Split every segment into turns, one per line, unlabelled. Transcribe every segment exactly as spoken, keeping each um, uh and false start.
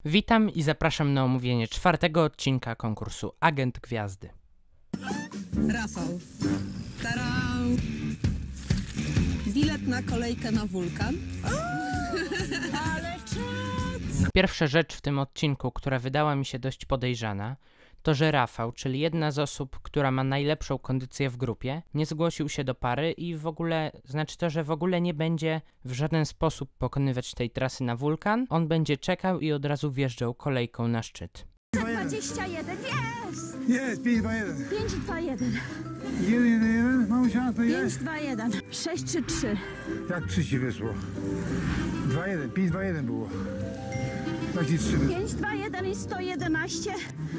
Witam i zapraszam na omówienie czwartego odcinka konkursu Agent Gwiazdy.
Rafał. Tarau. Bilet na kolejkę na wulkan. Ale czad!
Pierwsza rzecz w tym odcinku, która wydała mi się dość podejrzana, to że Rafał, czyli jedna z osób, która ma najlepszą kondycję w grupie, nie zgłosił się do pary i w ogóle, znaczy to, że w ogóle nie będzie w żaden sposób pokonywać tej trasy na wulkan. On będzie czekał i od razu wjeżdżał kolejką na szczyt.
dwadzieścia jeden, jest!
Jest, pięć dwa jeden.
pięć dwa jeden.
jeden jeden jeden, mamusia, to
pięć
jest.
dwa jeden. sześć trzy trzy.
Jak trzy ci wyszło? dwa jeden, pięć dwa jeden było. Jak ci trzy wyszło?
pięć dwa jeden i sto jedenaście.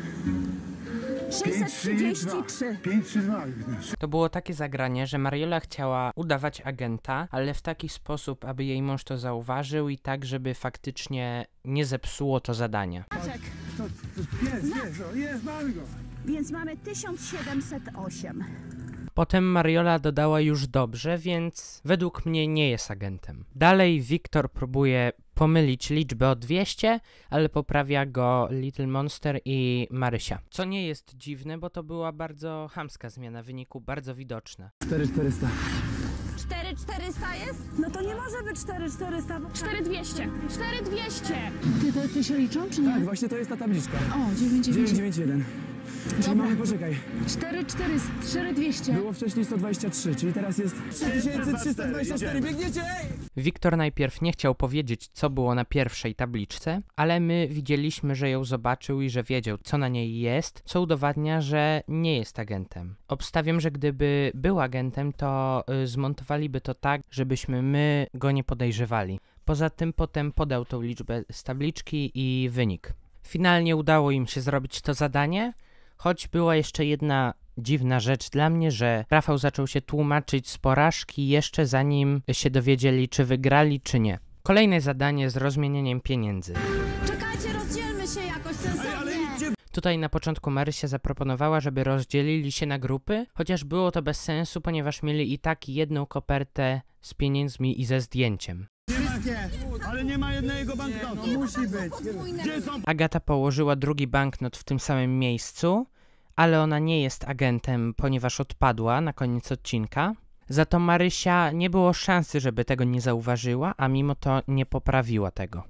sześćset
pięć trzy
trzydzieści
dwa.
trzy.
pięć trzy dwa.
To było takie zagranie, że Mariola chciała udawać agenta, ale w taki sposób, aby jej mąż to zauważył i tak, żeby faktycznie nie zepsuło to zadania.
Maciek,
To, to, jest, jest, o, jest, mamy go.
więc mamy tysiąc siedemset osiem.
Potem Mariola dodała już dobrze, więc według mnie nie jest agentem. Dalej Wiktor próbuje pomylić liczbę o dwieście, ale poprawia go Little Monster i Marysia. Co nie jest dziwne, bo to była bardzo chamska zmiana wyniku, bardzo widoczna.
cztery czterysta.
cztery czterysta jest? No to nie może być cztery czterysta. cztery dwieście. cztery dwieście.
Ty, to, ty się liczą, czy nie?
Tak, właśnie to jest ta tabliczka.
O, dziewięć dziewięć.
dziewięć dziewięć jeden. Czyli mamy, poczekaj,
cztery czterysta, cztery dwieście.
było wcześniej sto dwadzieścia trzy, czyli teraz jest trzy tysiące trzysta dwadzieścia cztery. Biegniecie, ej!
Wiktor najpierw nie chciał powiedzieć, co było na pierwszej tabliczce, ale my widzieliśmy, że ją zobaczył i że wiedział, co na niej jest, co udowadnia, że nie jest agentem. Obstawiam, że gdyby był agentem, to y, zmontowaliby to tak, żebyśmy my go nie podejrzewali. Poza tym potem podał tą liczbę z tabliczki i wynik. Finalnie udało im się zrobić to zadanie, choć była jeszcze jedna dziwna rzecz dla mnie, że Rafał zaczął się tłumaczyć z porażki jeszcze zanim się dowiedzieli, czy wygrali, czy nie. Kolejne zadanie z rozmienieniem pieniędzy.
Czekajcie, rozdzielmy się jakoś sensownie.
Tutaj na początku Marysia zaproponowała, żeby rozdzielili się na grupy, chociaż było to bez sensu, ponieważ mieli i tak jedną kopertę z pieniędzmi i ze zdjęciem.
Ale nie ma jednego banknotu. No, musi być. Gdzie są?
Agata położyła drugi banknot w tym samym miejscu, ale ona nie jest agentem, ponieważ odpadła na koniec odcinka. Za to Marysia nie było szansy, żeby tego nie zauważyła, a mimo to nie poprawiła tego.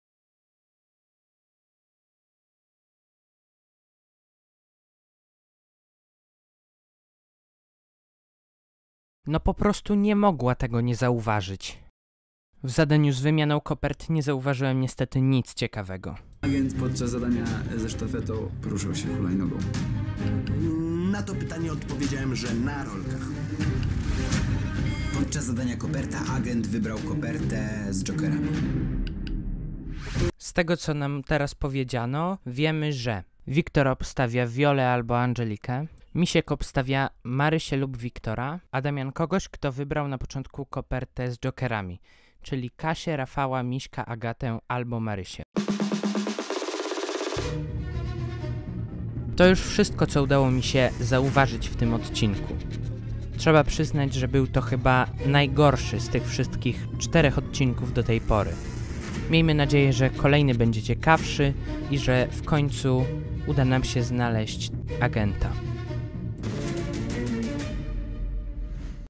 No po prostu nie mogła tego nie zauważyć. W zadaniu z wymianą kopert nie zauważyłem niestety nic ciekawego.
Agent podczas zadania ze sztafetą poruszał się hulajnogą.
Na to pytanie odpowiedziałem, że na rolkach.
Podczas zadania koperta agent wybrał kopertę z jokerami.
Z tego, co nam teraz powiedziano, wiemy, że Wiktor obstawia Wiolę albo Angelikę, Misiek obstawia Marysię lub Wiktora, a Damian kogoś, kto wybrał na początku kopertę z jokerami, czyli Kasię, Rafała, Miśka, Agatę albo Marysię. To już wszystko, co udało mi się zauważyć w tym odcinku. Trzeba przyznać, że był to chyba najgorszy z tych wszystkich czterech odcinków do tej pory. Miejmy nadzieję, że kolejny będzie ciekawszy i że w końcu uda nam się znaleźć agenta.